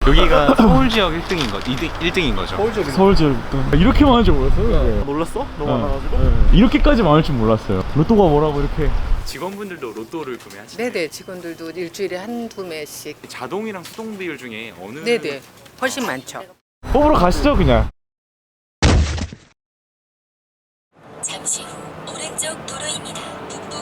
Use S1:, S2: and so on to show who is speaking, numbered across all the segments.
S1: 여기가 서울 지역 1등인 거, 1등인 거죠?
S2: 서울 지역 1등. 이렇게 많을 줄 몰랐어요.
S1: 놀랐어? 너무
S2: 네.
S1: 많아가지고?
S2: 네. 이렇게까지 많을 줄 몰랐어요. 로또가 뭐라고 이렇게.
S1: 직원분들도 로또를 구매하시나요?
S3: 네네, 직원들도 일주일에 한두 매씩.
S1: 자동이랑 수동 비율 중에 어느
S3: 네네, 훨씬 많죠.
S2: 뽑으러 가시죠 그냥.
S4: 잠시 후 오른쪽 도로입니다. 북부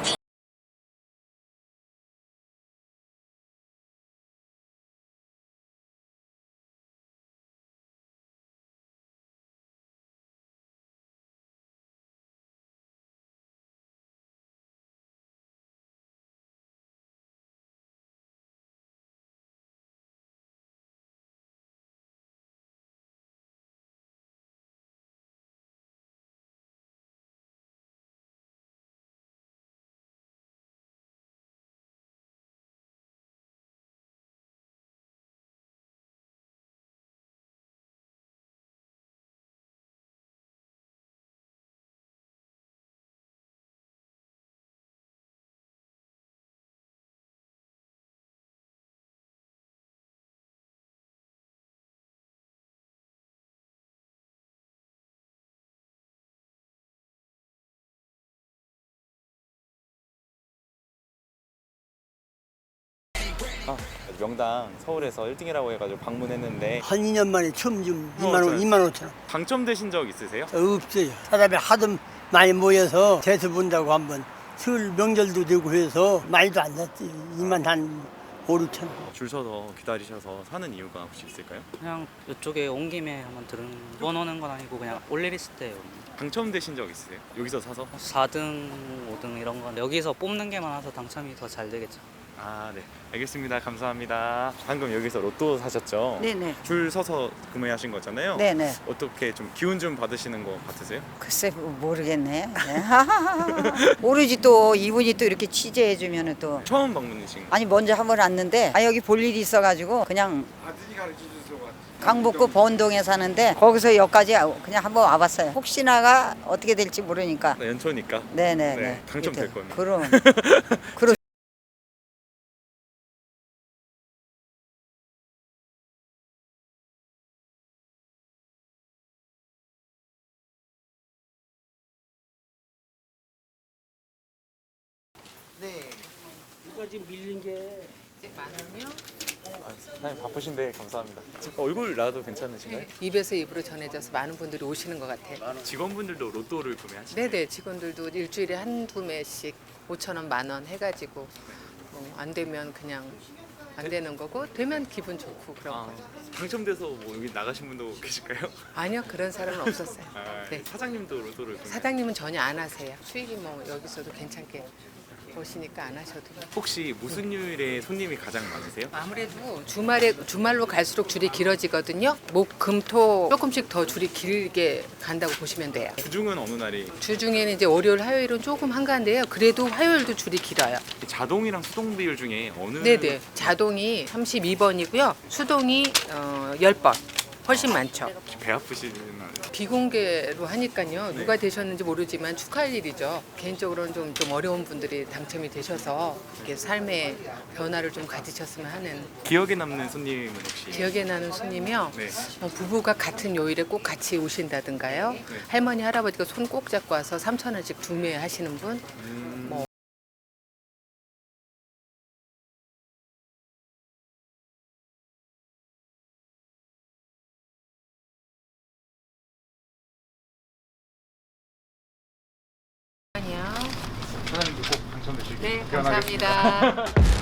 S1: 명당 서울에서 1등이라고 해가지고 방문했는데
S5: 한 2년 만에 처음 좀 2만
S1: 잘-
S5: 원, 2만 5천 원.
S1: 당첨되신 적 있으세요?
S5: 없어요. 사람이 하도 많이 모여서 대수 본다고 한번 설 명절도 되고 해서 많이도 안 샀지. 2만 한 5, 6천 원.
S1: 줄 서서 기다리셔서 사는 이유가 혹시 있을까요?
S6: 그냥 이쪽에 온 김에 한번 번 오는 건 아니고 그냥 올 일 있을 때
S1: 당첨되신 적 있으세요? 여기서 사서?
S6: 4등, 5등 이런 건 여기서 뽑는 게 많아서 당첨이 더 잘 되겠죠.
S1: 아, 네. 알겠습니다. 감사합니다. 방금 여기서 로또 사셨죠?
S7: 네네.
S1: 줄 서서 구매하신 거잖아요.
S7: 네네.
S1: 어떻게 좀 기운 좀 받으시는 거 같으세요?
S7: 글쎄 모르겠네. 네. 모르지 또 이분이 또 이렇게 취재해 주면은 또
S1: 처음 방문이신 거.
S7: 아니 먼저 한 번 왔는데 여기 볼 일이 있어가지고 그냥 강북구 번동에 사는데 거기서 여기까지 그냥 한번 와봤어요. 혹시나가 어떻게 될지 모르니까.
S1: 연초니까.
S7: 네네네.
S1: 네, 당첨될 겁니다.
S7: 그럼. 그럼.
S3: 만 원이요?
S1: 사장님 바쁘신데 감사합니다. 얼굴 나도 괜찮으신가요?
S3: 입에서 입으로 전해져서 많은 분들이 오시는 것 같아요.
S1: 직원분들도 로또를 구매하시나요?
S3: 네네, 직원들도 일주일에 한두 매씩 5천 원, 만 원 해가지고 안 되면 그냥 안 되는 거고 되면 기분 좋고 그런
S1: 아,
S3: 거.
S1: 당첨돼서 뭐 여기 나가신 분도 계실까요?
S3: 아니요, 그런 사람은 없었어요.
S1: 아,
S3: 네.
S1: 사장님도 로또를 구매.
S3: 사장님은 전혀 안 하세요. 수익이 뭐 여기서도 괜찮게 보시니까 안 하셔도 돼요.
S1: 혹시 무슨 요일에 손님이 가장 많으세요?
S3: 아무래도 주말로 갈수록 줄이 길어지거든요. 목, 금, 토 조금씩 더 줄이 길게 간다고 보시면 돼요.
S1: 주중은 어느 날이?
S3: 주중에는 이제 월요일, 화요일은 조금 한가한데요. 그래도 화요일도 줄이 길어요.
S1: 자동이랑 수동 비율 중에 어느?
S3: 네네. 자동이 32번이고요. 수동이 10번. 훨씬 많죠.
S1: 배 아프시는 날.
S3: 비공개로 하니까요. 누가 되셨는지 모르지만 축하할 일이죠. 개인적으로는 좀 어려운 분들이 당첨이 되셔서 이렇게 삶의 변화를 좀 가지셨으면 하는.
S1: 기억에 남는 손님은 혹시?
S3: 기억에 나는 손님이요.
S1: 네.
S3: 부부가 같은 요일에 꼭 같이 오신다든가요. 할머니, 할아버지가 손 꼭 잡고 와서 3,000원씩 구매하시는 분. 뭐 아니요.
S1: 사장님도 꼭 당첨되시길
S3: 네, 감사합니다.